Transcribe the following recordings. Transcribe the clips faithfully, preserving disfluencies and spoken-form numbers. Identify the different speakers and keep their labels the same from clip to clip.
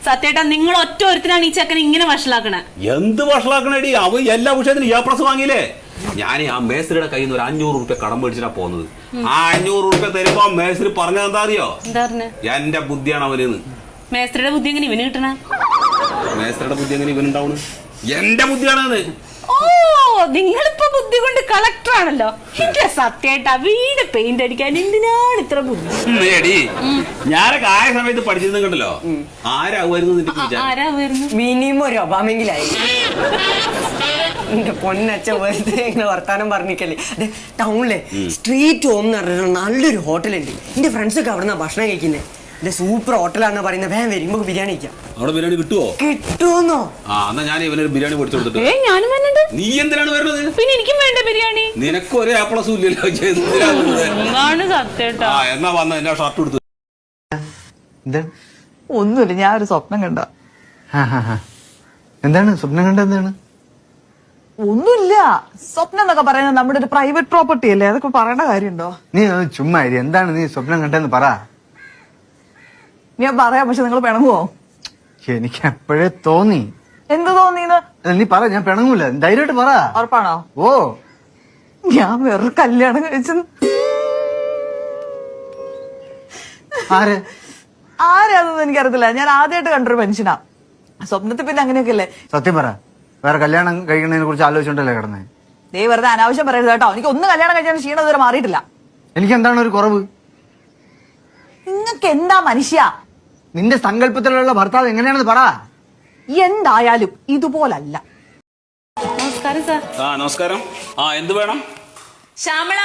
Speaker 1: സത്യേട്ടാ നിങ്ങൾ ഒറ്റ ഒരുത്തിനാണ് ഈ ചെക്കൻ ഇങ്ങനെ വഷളാക്കണേ.
Speaker 2: എന്ത് വഷളാക്കണേടി? അവ എല്ലാ വിഷയത്തിനും എ പ്ലസ് വാങ്ങിയില്ലേ? ഞാൻ ആ മേസ്ത്രിയുടെ കയ്യിൽ നിന്ന് ഒരു അഞ്ഞൂറ് റുപ്യ കടം മേടിച്ചിട്ടാ പോകുന്നത്. ആ അഞ്ഞൂറ് റുപ്യ തരുമ്പോ മേസ്ത്രി പറഞ്ഞത് എന്താ അറിയോ? എന്റെ ബുദ്ധിയാണ് അവനെന്ന്.
Speaker 1: മേസ്ത്രിയുടെ ബുദ്ധി എങ്ങനെ ഇവന് കിട്ടണ?
Speaker 2: മേസ്ത്രിയുടെ ബുദ്ധി എങ്ങനെ ഇവനുണ്ടാവണ്? എന്റെ ബുദ്ധിയാണെന്ന്.
Speaker 1: ഓ, നിങ്ങളിപ്പോ ബുദ്ധി കൊണ്ട് കളക്ടർ ആണല്ലോ. എന്റെ സത്യേട്ടാ, വീട് പെയിന്റ് അടിക്കാൻ എന്തിനാണ് ഇത്ര ബുദ്ധി?
Speaker 2: ഞാനൊക്കെ ആയ സമയത്ത് പഠിച്ചിരുന്നു കണ്ടല്ലോ.
Speaker 1: ആരാവുന്നു?
Speaker 3: മിനിമം ഒരു ഒബാമെങ്കിലായി. എന്റെ പൊന്നച്ച വെറുതെ ഇങ്ങനെ വർത്താനം പറഞ്ഞിക്കല്ലേ. ടൗണിലെ സ്ട്രീറ്റ് ഹോം എന്ന് പറഞ്ഞിട്ട് നല്ലൊരു ഹോട്ടലുണ്ട്. എന്റെ ഫ്രണ്ട്സ് ഒക്കെ അവിടെ ഭക്ഷണം കഴിക്കുന്നത്. എന്റെ സൂപ്പർ ഹോട്ടലാണെന്ന് പറയുന്നത്. വേഗം വരും, നമുക്ക് ബിരിയാണി കഴിക്കാം.
Speaker 2: അവിടെ ബിരിയാണി കിട്ടുമോ?
Speaker 3: കിട്ടുമെന്നോ?
Speaker 2: ആ, എന്നാ ഞാൻ ഇവനൊരു ബിരിയാണി പൊടിച്ചു കൊടുത്തിട്ട്.
Speaker 1: ഞാനും വരുന്നുണ്ട്.
Speaker 2: നീ എന്തിനാണ് വരുന്നത്?
Speaker 1: പിന്നെ എനിക്കും വേണ്ട ബിരിയാണി.
Speaker 2: നിനക്ക് ഒരേ ആപ്പിളസും ഇല്ലല്ലോ.
Speaker 1: സത്യേട്ടാ
Speaker 2: എന്നാ വന്ന എന്റെ ഷർട്ട് എടുത്തു.
Speaker 4: ഒന്നുമില്ല, ഞാൻ ഒരു സ്വപ്നം കണ്ട.
Speaker 5: എന്താണ് സ്വപ്നം കണ്ട? എന്താണ്?
Speaker 4: ഒന്നുമില്ല. സ്വപ്നം എന്നൊക്കെ പറയുന്നത് നമ്മുടെ ഒരു പ്രൈവറ്റ് പ്രോപ്പർട്ടി അല്ലേ, അതൊക്കെ പറയേണ്ട കാര്യമുണ്ടോ?
Speaker 5: നീ ചുമ്മാ ഇരി. എന്താണ് നീ സ്വപ്നം കണ്ടെന്ന് പറ.
Speaker 4: ഞാൻ പറയാം, പക്ഷെ നിങ്ങൾ പിണങ്ങുവോ?
Speaker 5: എനിക്ക് എപ്പോഴേ തോന്നി.
Speaker 4: എന്ത് തോന്നിയത്?
Speaker 5: നീ പറ, ഞാൻ പിണങ്ങൂല. ധൈര്യമായിട്ട് പറ.
Speaker 4: ഉറപ്പാണോ?
Speaker 5: ഓ,
Speaker 4: ഞാൻ വേറെ കല്യാണം കഴിച്ചു.
Speaker 5: ആര്
Speaker 4: ആരാണെന്ന് എനിക്കറിയത്തില്ല. ഞാൻ ആദ്യമായിട്ട് കണ്ടൊരു മനുഷ്യനാ. സ്വപ്നത്തിൽ പിന്നെ അങ്ങനെയൊക്കെ അല്ലേ.
Speaker 5: സത്യം പറ, വേറെ കല്യാണം കഴിക്കുന്നതിനെ കുറിച്ച് ആലോചിച്ചോണ്ടല്ലേ കിടന്നേ?
Speaker 4: ദേ വെറുതെ അനാവശ്യം പറയരുത് കേട്ടോ. എനിക്ക് ഒന്ന് കല്യാണം കഴിച്ചാൽ ക്ഷീണം ഇതുവരെ മാറിയിട്ടില്ല.
Speaker 5: എനിക്ക് എന്താണ് ഒരു കുറവ്?
Speaker 4: നിങ്ങൾക്ക് എന്താ മനുഷ്യ?
Speaker 5: നിന്റെ സങ്കല്പത്തിലുള്ള ഭർത്താവ് എങ്ങനെയാണെന്ന് പറ.
Speaker 4: എന്തായാലും ഇതുപോലല്ല.
Speaker 1: നമസ്കാരം സാർ.
Speaker 2: ആ, നമസ്കാരം. ആ, എന്ത് വേണം?
Speaker 1: ശ്യാമള.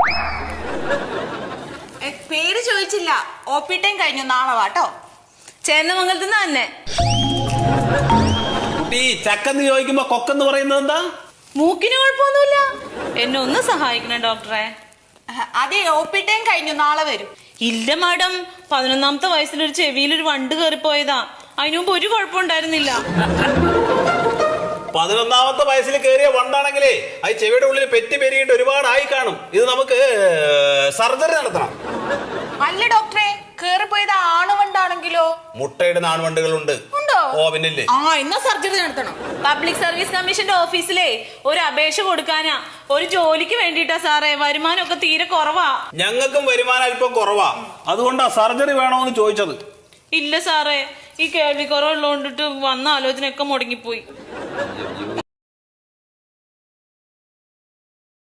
Speaker 6: പേര് ചോദിച്ചില്ല. ഒ പി ടൈം കഴിഞ്ഞു, നാളെ വാട്ടോ.
Speaker 1: ചേന്നമംഗലത്ത് തന്നെ.
Speaker 2: കുട്ടി, ചക്കെന്ന് ചോദിക്കുമ്പോ കൊക്കെന്ന് പറയുന്നത് എന്താ?
Speaker 1: മൂക്കിന് കുഴപ്പമൊന്നുമില്ല. എന്നെ ഒന്ന് സഹായിക്കണം ഡോക്ടറെ.
Speaker 6: അതെ, ഒ പി ടൈം കഴിഞ്ഞു, നാളെ വരും.
Speaker 1: ഇല്ല മാഡം, പതിനൊന്നാമത്തെ വയസ്സിലൊരു ചെവിയിലൊരു വണ്ട് കയറിപ്പോയതാ. അതിനു മുമ്പ് ഒരു കുഴപ്പമുണ്ടായിരുന്നില്ല.
Speaker 2: പതിനൊന്നാമത്തെ വയസ്സിൽ കയറിയ വണ്ടാണെങ്കിലേ അത് ചെവിയുടെ ഉള്ളിൽ പെറ്റി പെരുകിയിട്ട് ഒരുപാടായി കാണും. ഇത് നമുക്ക് സർജറി നടത്തണം.
Speaker 6: അല്ല ഡോക്ടറെ, കേറിപ്പോയത് ആണുവണ്ടാണെങ്കിലോ?
Speaker 2: മുട്ടയിടുന്ന ആൺവണ്ടുകളുണ്ട്.
Speaker 6: ഉണ്ടോ?
Speaker 2: ഓ, പിന്നില്ലേ.
Speaker 6: ആ, എന്നാ സർജറി നടത്തണം.
Speaker 1: പബ്ലിക് സർവീസ് കമ്മീഷന്റെ ഓഫീസിലെ ഒരു അപേക്ഷ കൊടുക്കാനാ. ഒരു ജോലിക്ക് വേണ്ടിട്ടാ സാറേ. വരുമാനം ഒക്കെ തീരെ കുറവാ.
Speaker 2: ഞങ്ങൾക്കും വരുമാനം അല്പം കുറവാ. അതുകൊണ്ടാ സർജറി വേണോന്ന് ചോദിച്ചത്.
Speaker 1: ഇല്ല സാറേ, ഈ കേൾവി കുറവുള്ളതുകൊണ്ടിട്ട് വന്ന ആലോചനയൊക്കെ മുടങ്ങിപ്പോയി.